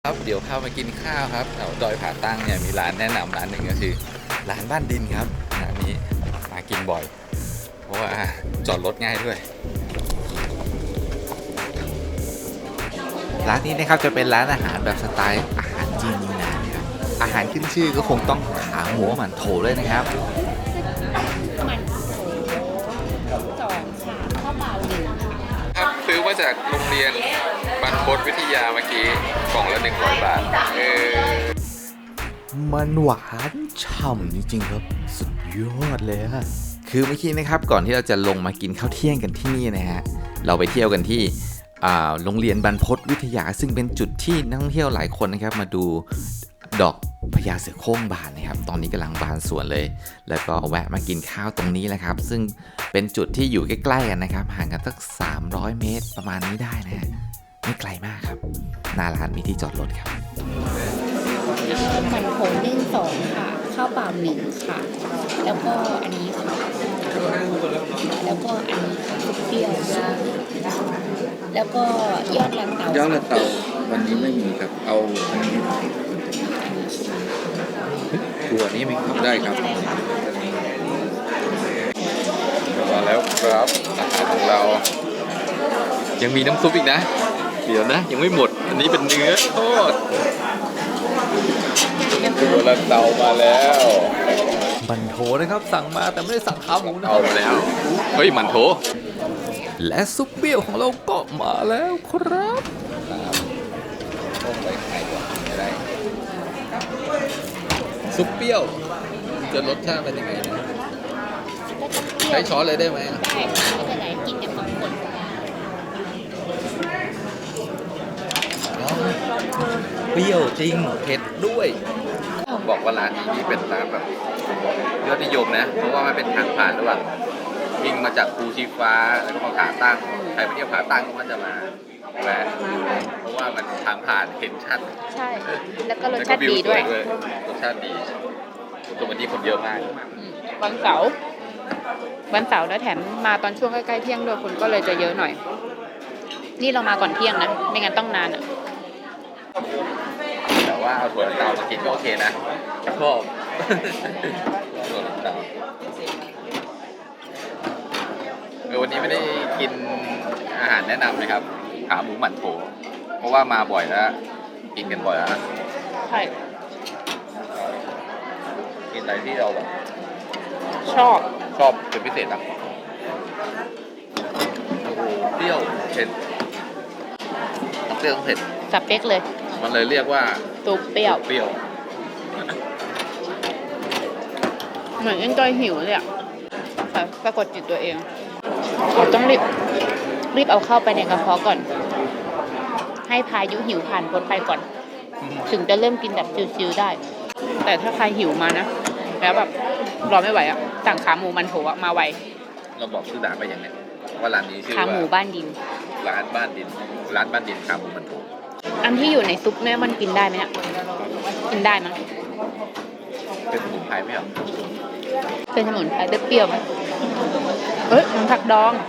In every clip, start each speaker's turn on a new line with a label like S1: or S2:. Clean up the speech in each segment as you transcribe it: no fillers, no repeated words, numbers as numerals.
S1: ครับเดี๋ยวพามากินข้าวครับแถวดอยผาตั้งเนี่ยมีร้านแนะนำร้านหนึ่งก็คือร้านบ้านดินครับร้านนี้มากินบ่อยเพราะว่าจอดรถง่ายด้วยร้านนี้นะครับจะเป็นร้านอาหารแบบสไตล์อาหารจีนยูนานครับอาหารขึ้นชื่อก็คงต้องขาหมูหมั่นโถเลยนะครับ
S2: มัน2ค่ะข้าวเปล่า1
S1: ครับซื้อมาจากโรงเรียนบรรพตวิทยาเมื่อกี้กล่องละ100 บาทมันหวานฉ่ำจริงๆครับสุดยอดเลยอะคือเมื่อกี้นะครับก่อนที่เราจะลงมากินข้าวเที่ยงกันที่นี่นะฮะเราไปเที่ยวกันที่โรงเรียนบรรพตวิทยาซึ่งเป็นจุดที่นักท่องเที่ยวหลายคนนะครับมาดูดอกพญาเสือโคร่งบานนะครับตอนนี้กำลังบานสวนเลยแล้วก็แวะมากินข้าวตรงนี้แหละครับซึ่งเป็นจุดที่อยู่ใกล้ๆกันนะครับห่างกันสัก300 เมตรประมาณนี้ได้นะฮะไม่ไกลมากครับหน้าร้านมีที่จอดรถครับ
S2: มันโถนึ่ง2ค่ะข้าวเปล่า1ค่ะแล้วก็อันนี้ค่ะแล้วก็อันนี้ซุปเปรี้ยวแล้วก็ยอดลันเตาย
S3: อดละเตาวันนี้ไม่มีครับเอาอันนี้
S1: ตัวนี้ไหมครับ
S3: ได้ครับ
S1: มาแล้วครับอาหารของเรายังมีน้ำซุปอีกนะเดี๋ยวนะยังไม่หมดอันนี้เป็นเนื้อทอดตัวละเตามาแล้วมันโถนะครับสั่งมาแต่ไม่ได้สั่งขาหมูนะเอามาแล้วเฮ้ยมันโถและซุปเปรี้ยวของเราก็มาแล้วครับต้มใส่ไข่ก่อนได้ซุปเปรี้ยวจะรสชาติเป็นยังไงนะใช้ช้อนเลยได้ไหม
S2: ได้ไม่เป็นไรกินแต่ของคน
S1: เปรี้ยวจริงเผ็ดด้วยบอกว่าร้านนี้นี่เป็นร้านแบบยอดนิยมนะเพราะว่ามันเป็นทางผ่านระหว่างวิ่งมาจากภูชีฟ้าแล้วก็มาผาตั้งใครไปเที่ยวผาตั้งก็จะมาแวะเพราะว่ามันทางผ่านเห็นชัด
S2: ใช่แล้วก็รสชาติดีด้วย
S1: รสชาติดีตัววันนี้คนเยอะมาก
S2: วันเสาร์แล้วแถมมาตอนช่วงใกล้ๆเที่ยงด้วยคนก็เลยจะเยอะหน่อยนี่เรามาก่อนเที่ยงนะไม่งั้นต้องนานอ่ะ
S1: แต่ว่าเอาถั่วลันเตามากินก็โอเคนะชอบถั่วลันเตาวันนี้ไม่ได้กินอาหารแนะนำนะครับขาหมูหมั่นโถเพราะว่ามาบ่อยแล้วกินกันบ่อยแล้ว
S2: ใช่
S1: กินอะไรที่เราแบบ
S2: ชอบ
S1: เป็นพิเศษอ่ะโอ้โหเปรี้ยวเผ็ดเปรี้ยวเผ็ด
S2: สเปคเลย
S1: มันเลยเรียกว่า
S2: ซุปเปรี้ยวเหมือนเอ็นจอยหิวเลยอ่ะแต่ปรากฏจิตตัวเองเราต้องรีบเอาเข้าไปในกระเพาะก่อนให้พายุหิวผ่านพ้นไปก่อนถึงจะเริ่มกินแบบชิวๆได้แต่ถ้าใครหิวมานะแล้วแบบรอไม่ไหวอ่ะสั่งขาหมูมันโถมาไว
S1: เราบอกชื่อร้านไปยังไงว่าร้านนี้ชื่อ
S2: ขาหมูบ้านดิน
S1: ร้านบ้านดินขาหมูมันโถ
S2: อันที่อยู่ในซุปเนี่ยมันกินได้ไหมเนี่ยกินได้มั้ง
S1: เป็นสมุนไพรไหมครับ
S2: เป็นสมุนไพรเปรี้ยวไหมมันผักดอง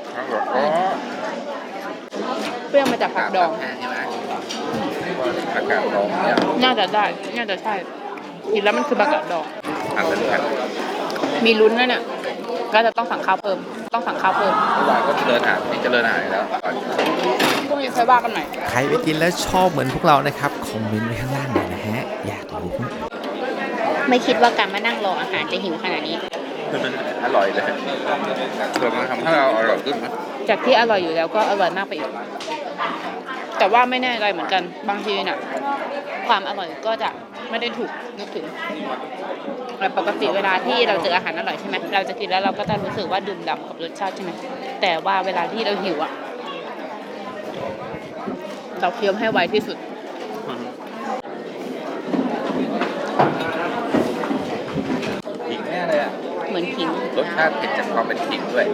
S2: เปรี้ยวมาจากผักดอง
S1: ใช่ไหมผักกาดดองเนี่ย
S2: น่าจะใช่กินแล้วมันคือผักกาดดองมีลุ้นนะเนี่ยก็จะต้องสั่งข้าวเพิ่มเมื่
S1: อวานก็เจริญอาหารแล้ว
S2: พวกนี้ค่อยว่ากันใหม่
S1: ใครไปกินแล้วชอบเหมือนพวกเรานะครับคอมเมนต์ไว้ข้างล่างหน่อยนะฮะอยากรู้
S2: ไม่คิดว่าการมานั่งรออาหารจะหิวขนาดนี้
S1: อร่อยเลยเกิดมาทำให้เราอร่อยขึ้นไหม
S2: จากที่อร่อยอยู่แล้วก็อร่อยมากไปอีกแต่ว่าไม่แน่ใจเหมือนกันบางทีน่ะความอร่อยก็จะไม่ได้ถูกนึกถึงแต่ปกติเวลาที่เราเจออาหารอร่อยใช่ไหมเราจะกินแล้วเราก็จะรู้สึกว่าดื่มด่ำกับรสชาติใช่ไหมแต่ว่าเวลาที่เราหิวอ่ะเราเคี้ยวให้ไวที่สุด
S1: ขิงแน่เลยอ่ะ
S2: เหมือนขิง
S1: รสชาติเผ็ดจากความเป็นขิงด้วย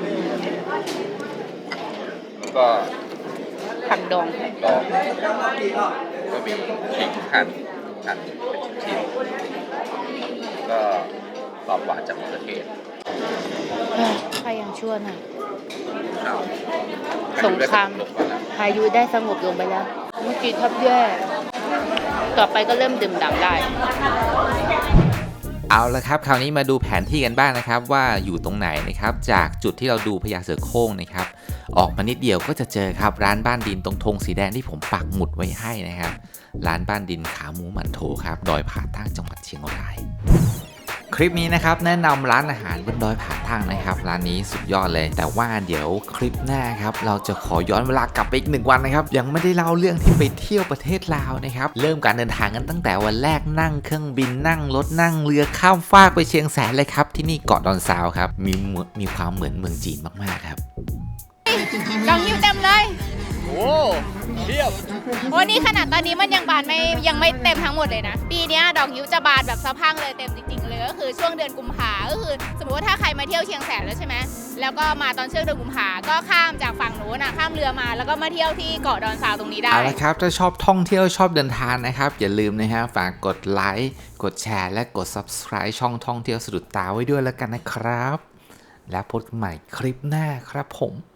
S1: แล้วก็
S2: ผักดอง
S1: ก็มีขิงหั่นเป็นชิ้นๆก็ความหวานจากมะเขือเทศ
S2: ใครยังชั่วหน่อยสงครามพายุได้สงบลงไปแล้วเมื่อกี้ทับแย่ต่อไปก็เริ่มดื่มด่ำได้
S1: เอาละครับคราวนี้มาดูแผนที่กันบ้างนะครับว่าอยู่ตรงไหนนะครับจากจุดที่เราดูพญาเสือโคร่งนะครับออกมานิดเดียวก็จะเจอครับร้านบ้านดินตรงธงสีแดงที่ผมปักหมุดไว้ให้นะครับร้านบ้านดินขาหมูหมันโถครับดอยผาตั้งจังหวัดเชียงรายคลิปนี้นะครับแนะนำร้านอาหารบนดอยผาตั้งนะครับร้านนี้สุดยอดเลยแต่ว่าเดี๋ยวคลิปหน้าครับเราจะขอย้อนเวลากลับไปอีก1 วันนะครับยังไม่ได้เล่าเรื่องที่ไปเที่ยวประเทศลาวนะครับเริ่มการเดินทางกันตั้งแต่วันแรกนั่งเครื่องบินนั่งรถนั่งเรือข้ามฟากไปเชียงแสนเลยครับที่นี่เกาะดอนซาวครับมีความเหมือนเมืองจีนมากๆครับ
S2: ดองหิวเต็มเลย
S4: โอ้เทียบ
S2: วันนี้ขนาดตอนนี้มันยังบานยังไม่เต็มทั้งหมดเลยนะ ปีนี้ดอกหิวจะบานแบบสะพรั่งเลยเต็มจริงๆเลยก็คือช่วงเดือนกุมภาก็คือสมมติว่าถ้าใครมาเที่ยวเชียงแสนแล้วใช่ไหมแล้วก็มาตอนช่วงเดือนกุมภาก็ข้ามจากฝั่งโน้นข้ามเรือมาแล้วก็มาเที่ยวที่เกาะดอนซาวตรงนี้ได้
S1: เอาละครับถ้าชอบท่องเที่ยวชอบเดินทางนะครับอย่าลืมนะฮะฝากกดไลค์กดแชร์และกด Subscribe ช่องท่องเที่ยวสะดุดตาไว้ด้วยแล้วกันนะครับแล้วพบกันใหม่คลิปหน้าครับผม